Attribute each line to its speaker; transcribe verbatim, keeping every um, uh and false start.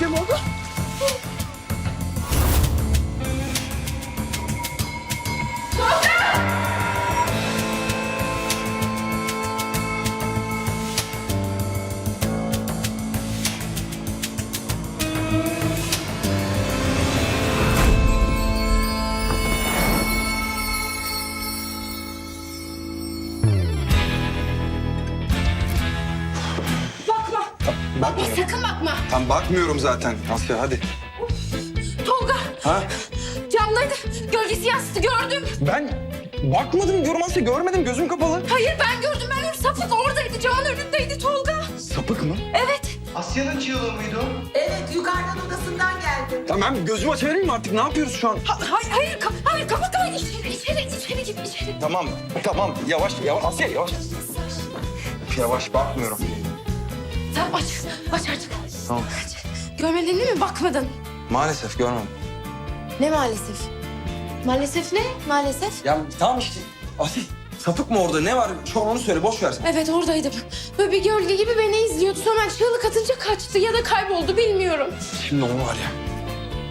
Speaker 1: kayboldu. Bakma. Bakma, sakın bakma.
Speaker 2: Tam bakmıyorum zaten Asya, hadi.
Speaker 1: Tolga,
Speaker 2: Ha?
Speaker 1: camdaydı. Gölgesi yansıdı, gördüm.
Speaker 2: Ben bakmadım diyorum Asya, görmedim, gözüm kapalı.
Speaker 1: Hayır, ben gördüm, ben gördüm. Sapık oradaydı, camın önündeydi Tolga.
Speaker 2: Sapık mı?
Speaker 1: Evet.
Speaker 3: Asya'nın çığlığı mıydı o?
Speaker 4: Evet, yukarıdan odasından geldi.
Speaker 2: Tamam, gözümü açabilir miyim artık? Ne yapıyoruz şu an?
Speaker 1: Ha, hayır, hayır, ka- hayır, kapat, hayır. İçeri, içeri, içeri git, içeri.
Speaker 2: Tamam, tamam. Yavaş, yavaş. Asya, yavaş. Yavaş, bakmıyorum.
Speaker 1: Tamam, aç, aç artık.
Speaker 2: Tamam.
Speaker 1: Aç. Görmedin değil mi? Bakmadın.
Speaker 2: Maalesef görmedim.
Speaker 1: Ne maalesef? Maalesef ne? Maalesef.
Speaker 2: Ya tamam işte. Asya, sapık mı orada? Ne var? Şu an onu söyle, boş ver.
Speaker 1: Evet, oradaydım. Böyle bir gölge gibi beni izliyordu. Sonra ben çığlık atınca kaçtı ya da kayboldu, bilmiyorum.
Speaker 2: Şimdi onu var ya.